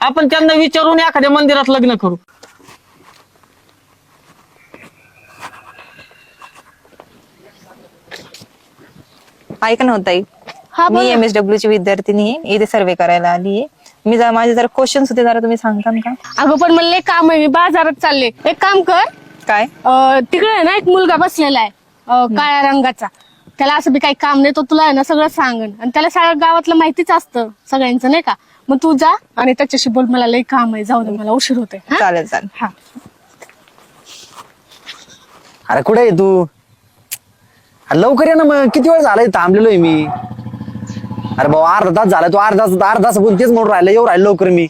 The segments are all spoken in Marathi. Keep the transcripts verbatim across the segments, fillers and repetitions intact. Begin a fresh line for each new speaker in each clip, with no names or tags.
आपण त्यांना विचारून एखाद्या मंदिरात लग्न करू.
ऐक ना ताई,
हा
मी
बोल ना.
एम एस डब्ल्यू ची विद्यार्थिनी आहे, इथे सर्वे करायला आली आहे. मी जरा माझे जरा क्वेश्चन्स होते, जरा तुम्ही सांगता का?
अगं पण मला लय काम आहे, मी बाजारात चालले. एक काम कर,
काय?
अं, तिकडे आहे ना एक मुलगा बसलेला आहे अं, काळ्या रंगाचा. त्याला असं बी काही काम नाही, तो तुला आहे ना सगळं सांगन आणि त्याला सगळ्या गावातलं माहितीच असतं सगळ्यांचं नाही का. मग तू जा आणि त्याच्याशी बोल, मला लय काम आहे, जाऊ दे मला उशीर होते.
चालेल चालेल.
हा
अरे कुठे आहे तू? अरे लवकर ये ना, मग किती वेळ झालाय थांबलेलोय मी. अरे भाऊ अर्धा तास झाला, तू अर्धा तास अर्धा तास बोल तेच म्हणून राहिलं, येऊ राहिलं लवकर मी.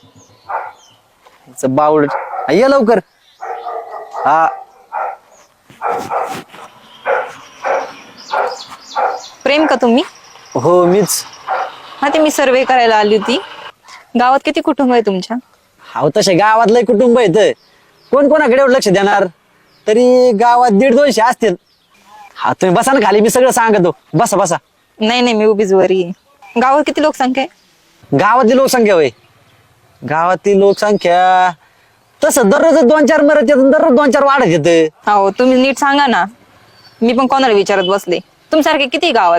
बावड ये लवकर. हा
प्रेम का तुम्ही?
हो मीच.
हा, ते मी सर्वे करायला आली होती. गावात किती कुटुंब आहे तुमच्या?
हा तसे गावातलं कुटुंब आहे, कोण कोणाकडे एवढं लक्ष देणार? तरी गावात दीड दोनशे असतील. हा तुम्ही बसा ना खाली, मी सगळं सांगतो. बसा बसा.
नाही नाही, मी उभीच वरी आहे. गावात किती लोकसंख्या आहे?
गावातली लोकसंख्या होय, गावातली लोकसंख्या तसं दररोज दोन चार मरत येत, दररोज दोन चार वाढत येत.
हो, तुम्ही नीट सांगा ना, मी पण कोणाला विचारत बसले. तुमच्यासारखे किती गावात?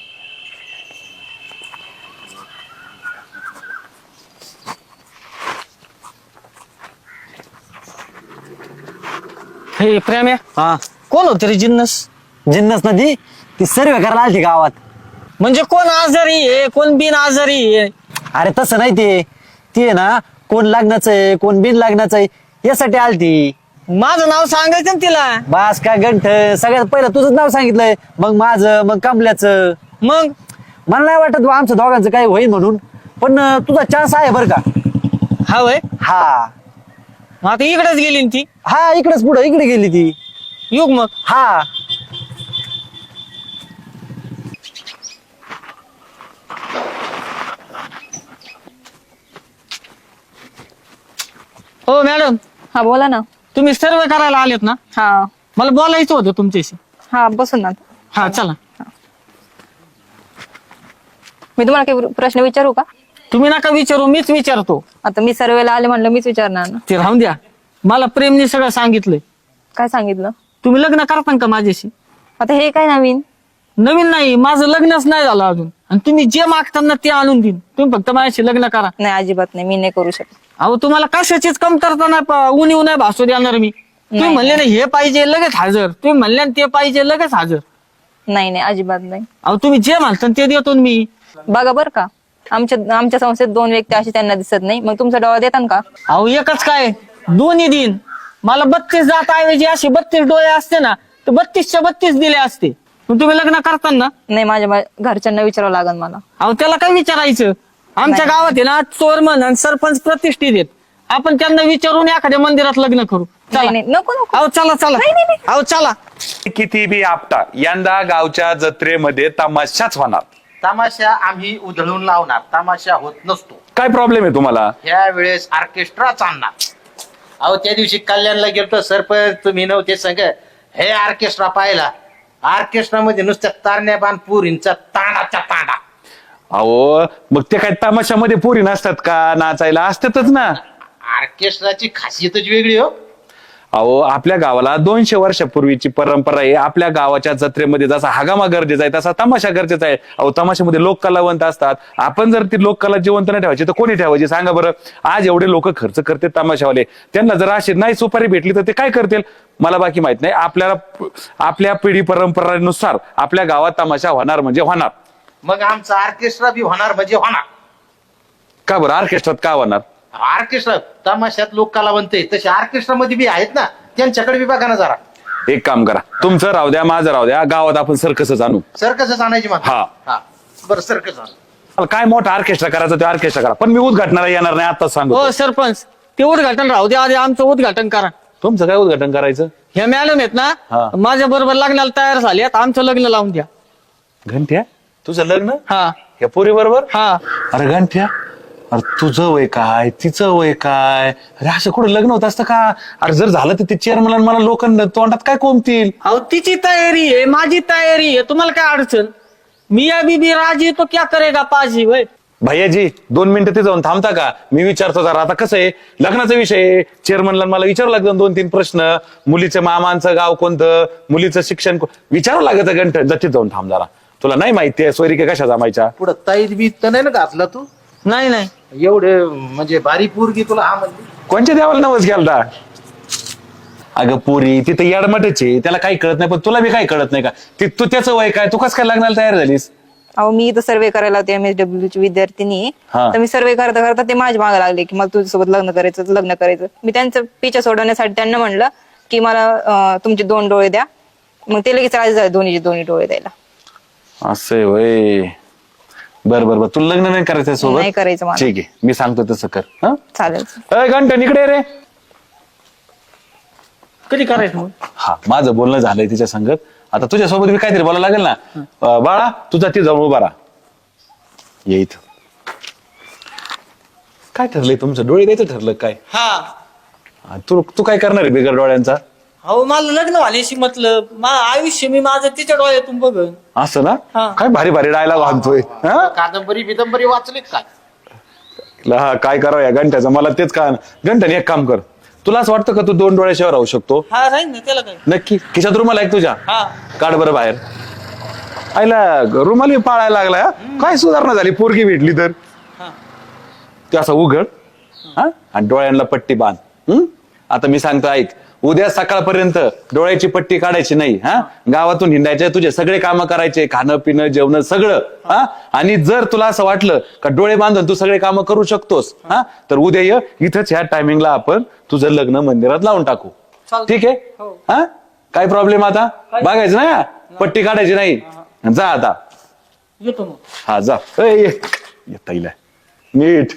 हे प्रेम आहे,
हा
कोण होते रे जिन्नस?
जिन्नस नदी ती सर्वे करायला आली गावात.
म्हणजे कोण आजारी आहे, कोण बिन आजारी आहे?
अरे तसं नाही, ते ती आहे ना, कोण लग्नाचं आहे कोण बिन लग्नाचं आहे यासाठी आलती.
माझं नाव सांगायचं ना तिला.
बास काय गंठ, सगळ्यात पहिलं तुझंच नाव सांगितलंय, मग माझं, मग कमल्याचं.
मग
मला नाही वाटत बुवा आमचं दोघांचं काही होईल म्हणून, पण अं, तुझा चान्स आहे बरं का.
हा वय,
हा
मग आता इकडेच गेली ना ती.
हा इकडेच पुढं इकडे गेली ती.
युग मग
हा
हो मॅडम,
हा बोला ना.
तुम्ही सर्वे करायला आलेत ना?
हा
मला बोलायचं होतं तुमच्याशी.
हा, बसून ना.
हा चला.
मी तुम्हाला काही प्रश्न विचारू का?
तुम्ही नका विचारू, मीच विचारतो.
आता मी सर्वेला आले म्हणलं, मीच विचारणार ना.
ते राहून द्या. मला प्रेमने सगळं सांगितलंय.
काय सांगितलं?
तुम्ही लग्न करता का माझ्याशी?
आता हे काय नवीन?
नवीन नाही, माझं लग्नच नाही झालं अजून, आणि तुम्ही जे मागताना ते आणून देईन. तुम्ही फक्त माझ्याशी लग्न करा.
नाही, अजिबात नाही, मी नाही करू शकत.
अहो तुम्हाला कशाचीच कमतरता नाही, प- उणीव नाही भासू देणार मी. तुम्ही
नाही.
म्हणले ना हे पाहिजे लगेच हजर, तुम्ही म्हणले ना ते पाहिजे लगेच हजर.
नाही नाही, अजिबात नाही.
अहो तुम्ही जे म्हणता ते देतो ना मी.
बघा बर का, आमच्या आमच्या संस्थेत दोन व्यक्ती अशी त्यांना दिसत नाही, मग तुमचा डोळा देतात का?
अहो एकच काय, दोन्ही दिन. मला बत्तीस जात ऐवजी असे बत्तीस डोळे असते ना, तर बत्तीसच्या बत्तीस दिले असते. मग तुम्ही लग्न करताना
नाही, माझ्या मा- घरच्यांना विचारावं लागेल मला.
अहो त्याला काय विचारायचं? आमच्या
नाही.
गावात आहे ना चोरमन आणि सरपंच प्रतिष्ठित आहेत. आपण त्यांना विचारून एखाद्या मंदिरात लग्न करू.
नाही
चला.
नाही, नको नको.
अहो चला चला. अहो चला.
किती बी आपटा, यंदा गावच्या जत्रेमध्ये तमाशाच होणार.
तमाशा आम्ही उधळून लावणार, तमाशा होत नसतो.
काय प्रॉब्लेम आहे तुम्हाला?
ह्या वेळेस ऑर्केस्ट्रा चालणार. अहो त्या दिवशी कल्याणला गेलतो, सरपंच तुम्ही नव्हते संग, हे ऑर्केस्ट्रा पाहिला. ऑर्केस्ट्रा मध्ये नुसत्या तारण्या बाण पुरींचा तांडाचा तांडा.
अहो मग ते काय तमाशामध्ये पोरी नसतात का? नाचायला असतातच ना.
ऑर्केस्ट्राची खासियतच वेगळी हो.
अहो आपल्या गावाला दोनशे वर्षापूर्वीची परंपरा आहे. आपल्या गावाच्या जत्रेमध्ये जसा हगामा गरजेचा आहे तसा तमाशा गरजेचा आहे. अहो तमाशामध्ये लोक कलावंत असतात. आपण जर ती लोक कला जिवंत नाही ठेवायची तर कोणी ठेवायची सांगा बरं? आज एवढे लोक खर्च करते तमाशावाले, त्यांना जर अशी नाही सुपारी भेटली तर ते काय करतील मला बाकी माहित नाही. आपल्याला आपल्या पिढी परंपरेनुसार आपल्या गावात तमाशा होणार म्हणजे होणार.
मग आमचा ऑर्केस्ट्रा बी होणार म्हणजे होणार.
का बरं ऑर्केस्ट्रात का होणार?
ऑर्केस्ट्रा तमाशात लोक कलावंत आहे, तसे ऑर्केस्ट्रा मध्ये बी आहेत ना, त्यांच्याकडे बी बघा ना जरा.
एक काम करा, तुमचं राहू द्या माझं राहू द्या, गावात आपण सर्कसच आणू.
सर्कसच आणायची मग.
हा.
हा बरं, सर्कस आण.
मला काय मोठा ऑर्केस्ट्रा करायचं ते ऑर्केस्ट्रा करा, पण मी उद्घाटनाला येणार नाही आताच सांगू.
हो सरपंच, ते उद्घाटन राहू द्या, आधी आमचं उद्घाटन करा.
तुमचं काय उद्घाटन करायचं?
ह्या मॅडम आहेत
हा.
ना, माझ्या बरोबर लग्नाला तयार झाली, आता आमचं लग्न लावून द्या.
घंट्या तुझं लग्न
हा
या पोरी बरोबर?
हा.
अरे घंट्या, अरे तुझं वय काय तिचं वय काय? अरे असं कुठं लग्न होत असतं का? अरे जर झालं तर ते चेअरमन मला लोकांना तोंडात काय कोंबतील?
अहो तिची तयारी आहे, माझी तयारी आहे, तुम्हाला काय अडचण? मिया बीबी राजी तो क्या करेगा पाजी. वय
भैयाजी दोन मिनिटं ते जाऊन थांबता का? मी विचारतो जरा. आता कसं आहे, लग्नाचा विषय, चेअरमनला मला विचारावं लागतं दोन तीन प्रश्न. मुलीच्या मामांचं गाव कोणतं, मुलीचं शिक्षण को- विचारावं लागतं घंट. जतीत जाऊन थांब जरा. तुला नाही माहिती आहे सोयरिके कशा जमायच्या?
पुढं ताईत बी तर नाही ना घातला तू?
नाही नाही
एवढे म्हणजे भारी पोरगी तुला हा म्हणली.
कोणच्या देवाला नवस घ्यालता? अगं पोरी तिथं याडमटच आहे, त्याला काही कळत नाही. पण तुला बी काही कळत नाही का? ती तू त्याचं वय काय, तू कसं काय लग्नाला तयार झालीस?
अहो मी इथं सर्वे करायला होते एम एस डब्ल्यू ची विद्यार्थिनी आहे.
हा.
तर मी सर्वे करता करता ते माझ्या मागे लागले की मला तुझ्यासोबत लग्न करायचं लग्न करायचं. मी त्यांचं पिछा सोडवण्यासाठी त्यांना म्हणलं की मला अं, तुमचे दोन डोळे द्या. मग ते लगेच राजी झाले दोन्हीचे दोन्ही डोळे द्यायला.
असं वय. बर बर बर, तुला लग्न नाही करायचं सोबत?
नाही करायचं मला.
ठीक आहे, मी सांगतो तसं कर. हं?
चालेल.
अय घंटन इकडे ये रे.
कधी करायचं मग?
हा, माझं बोलणं झालंय तिच्या संगत. आता तुझ्यासोबत मी काहीतरी बोलायला लागेल ना. अं, बाळा तुझा ती जाऊन उभा राहा. ये इथं. काय ठरलंय तुमचं? डोळे द्यायचं ठरलं काय?
हा.
हा, तू तू काय करणार आहे बिगर डोळ्यांचा?
अहो मला लग्न व्हायची मतलब मा आयुष्य मी माझं तिच्या डोळ्यातून बघन.
असं ना?
हा.
काय भारी भारी डायलॉग बांधतोय. हा?
कादंबरी बिदंबरी वाचलीत काय?
हा, काय करावं या घंट्याचं मला तेच का. घंटन एक काम कर, तुला असं वाटतं का तू दोन डोळ्याशिवाय राहू शकतो?
हा राहील ना त्याला काय.
नक्की. खिशात रुमाल आहे का तुझ्या?
हा.
काढ बरं बाहेर. आईला रुमाल पाळायला लागलाय हा? काय सुधारणा झाली पोरगी भेटली तर.
हा.
ते असं उघड हा आणि डोळ्यांना पट्टी बांध. हम्म? आता मी सांगतो ऐक, उद्या सकाळपर्यंत डोळ्याची पट्टी काढायची नाही. हा, गावातून हिंडायचे, तुझे सगळे कामं करायचे, खाणं पिणं जेवण सगळं. हा, आणि जर तुला असं वाटलं का डोळे बांधून तू सगळे कामं करू शकतोस, हा, तर उद्या ये इथंच ह्या टायमिंगला आपण तुझं लग्न मंदिरात लावून टाकू.
चालतंय.
ठीक आहे?
हो.
हा, काय प्रॉब्लेम आता? बघायचं ना, पट्टी काढायची नाही. जा आता.
येतो मग.
हा जा. ए, ये. येता येईल नीट.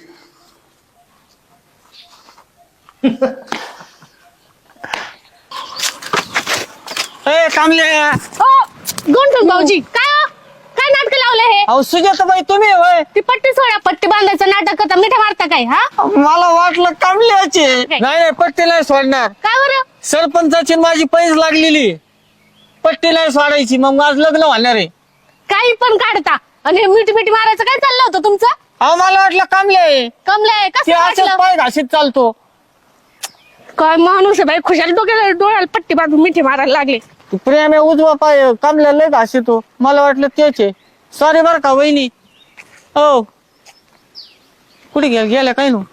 ए कामले.
ओ गोंठून भाऊजी काय हो? काय नाटक लावलं हे?
अहो सुजाताबाई तुम्ही होय?
ती पट्टी सोडा, पट्टी बांधायचं नाटक करता, मिठा मारता काय? हा
मला वाटलं कामल्याचे. नाही नाही पट्टी नाही सोडणार.
काय बरं?
सरपंचाची न माझी पैस लागलेली. पट्टी नाही सोडायची, मग माझं लग्न होणार आहे.
काही पण काढता आणि मिठी मिठी मारायचं काय चाललं होतं तुमचं?
अहो मला वाटलं कामले.
कमलंय
ते
कसं
असं
वाटलं?
पाय घाशीत चालतो.
काय माणूस आहे बाई, खुशाल डोक्याला डोळ्याला पट्टी बांधून मिठी मारायला लागले.
तू प्रेम आहे उजवा पाय कामल्या लय घासितो. मला वाटलं तेच आहे. सॉरी बर का वहिनी. हो कुठे गेल गेल्या काय नो?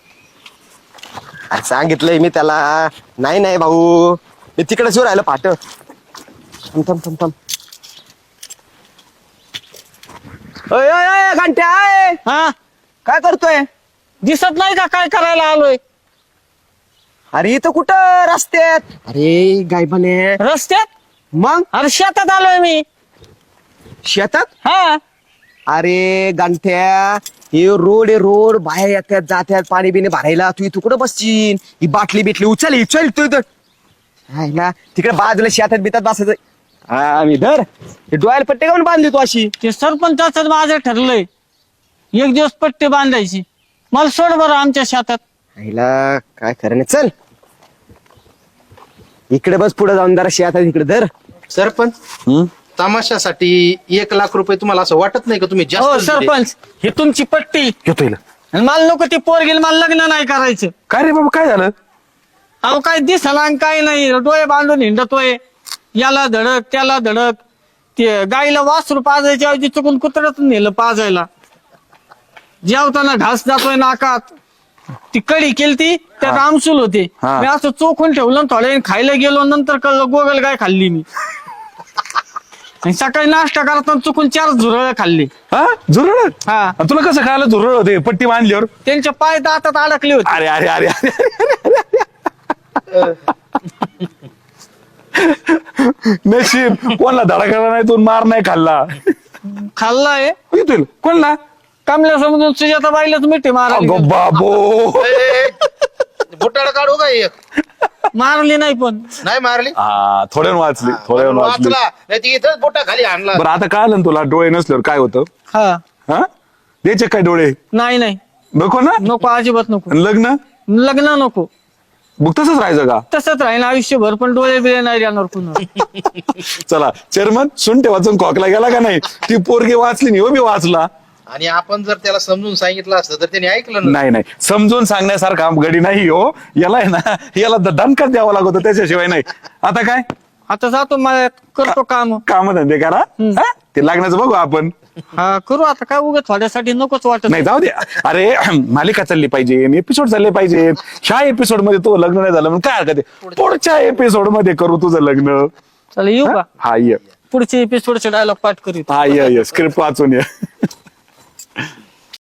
अरे सांगितलंय मी त्याला. नाही नाही भाऊ, मी तिकडे शिव राहिलं पाठ. थांब थांब थांब थांब. अय, अय, अय, घंट्या अय.
हा
काय करतोय?
दिसत नाही का काय करायला आलोय?
अरे इथं कुठं रस्त्यात? अरे गायबाने.
रस्त्यात?
मग
अरे शेतात आलोय मी.
शेतात?
हा
अरे गांठ्या, हे रोड आहे रोड, बाहेर येतात जात्यात पाणी बिणी भरायला. तू इथं कुठं बसशील? ही बाटली बिटली उचल ही चल तू इथं. हाय ना, तिकडे बाजूला शेतात बितात बसायचं. हा मी धर हे डोळ्याला पट्टे काऊन बांधली तू अशी?
ते सरपंचाच माझं ठरलंय एक दिवस पट्टी बांधायची. मला सोड बरं आमच्या शेतात.
आईला काय खरं नाही. चल इकडे बस, पुढे जाऊन जरा शेतात इकडे धर.
सरपंच
हम्म?
तमाशासाठी एक लाख रुपये तुम्हाला असं वाटत नाही का तुम्ही
हो
जास्त दिले?
सरपंच ही तुमची पट्टी.
घेतो येईल.
आणि मला नको ती पोरगील मला लग्न नाही करायचं.
काय रे बाबा काय झालं?
अहो काय दिसला आणि काय नाही. डोळे बांधून हिंडतोय, याला धडक त्याला धडक. ते गाईला वासरू पाजायच्या ऐवजी चुकून कुत्र्यातून नेलं पाजायला. जेवताना घास जातोय नाकात. ती कडी केलती त्यात आमसूल होते.
हा.
मी असं चोखून ठेवलं थोड्या वेळ खायला गेलो. नंतर कळलं गोगल गाय खाल्ली मी. आणि सकाळी नाश्ता करताना चुकून चार झुरळ खाल्ली.
हा झुरळ?
हा
आणि तुला कसं कळालं झुरळ होते पट्टी बांधल्यावर?
त्यांच्या पाय दातात अडकले होते.
अरे अरे अरे अरे नशीब कोणला धडा केला नाही तू, मार नाही खाल्ला.
खाल्लाय
येतील कोणला?
कामल्या समजून सुजाता बाईलाच मिठी मारली.
अगो बाबो.
बुटाड काढू का एक?
मारली नाही पण.
नाही मारली.
हा थोड्या वाचली थोड्या वाचली.
वाचला नाही ती इथंच बोटा खाली आणला.
बरं आता कळालं ना तुला डोळे नसल्यावर काय होतं?
हा
हा द्यायचे काय डोळे?
नाही नाही
नको ना?
नको अजिबात नको.
आणि लग्न
लग्न नको.
मग तसंच राहायचं का?
तसंच राहील आयुष्यभर. पण डोळे बिळे नाही राहणार पुन्हा.
चला चेअरमन सुंटे वाचून खोकला गेला का नाही? ती पोरगी वाचली नाही हो, मी वाचला.
आणि आपण जर त्याला समजून सांगितलं असतं तर त्याने ऐकलं ना.
नाही नाही समजून सांगण्यासारखा गडी नाही हो. याला आहे ना याला द- दणकाच द्यावा लागतो त्याच्याशिवाय नाही. आता काय
आता जातो मला करतो काम.
काम धंदे करा हा? ते लागण्याचं बघू आपण.
हा करू आता काय उगाच थोड्यासाठी नकोच वाटत.
नाही जाऊ दे. अरे मालिका चालली पाहिजे, एपिसोड चालले पाहिजे. ह्या एपिसोड मध्ये तो लग्न नाही झालं म्हणून काय हरकत आहे, पुढच्या एपिसोड मध्ये करू तुझं लग्न.
चला येऊ का?
हा ये
पुढचे एपिसोडचे डायलॉग पाठ करीत.
हा ये स्क्रिप्ट वाचून ये.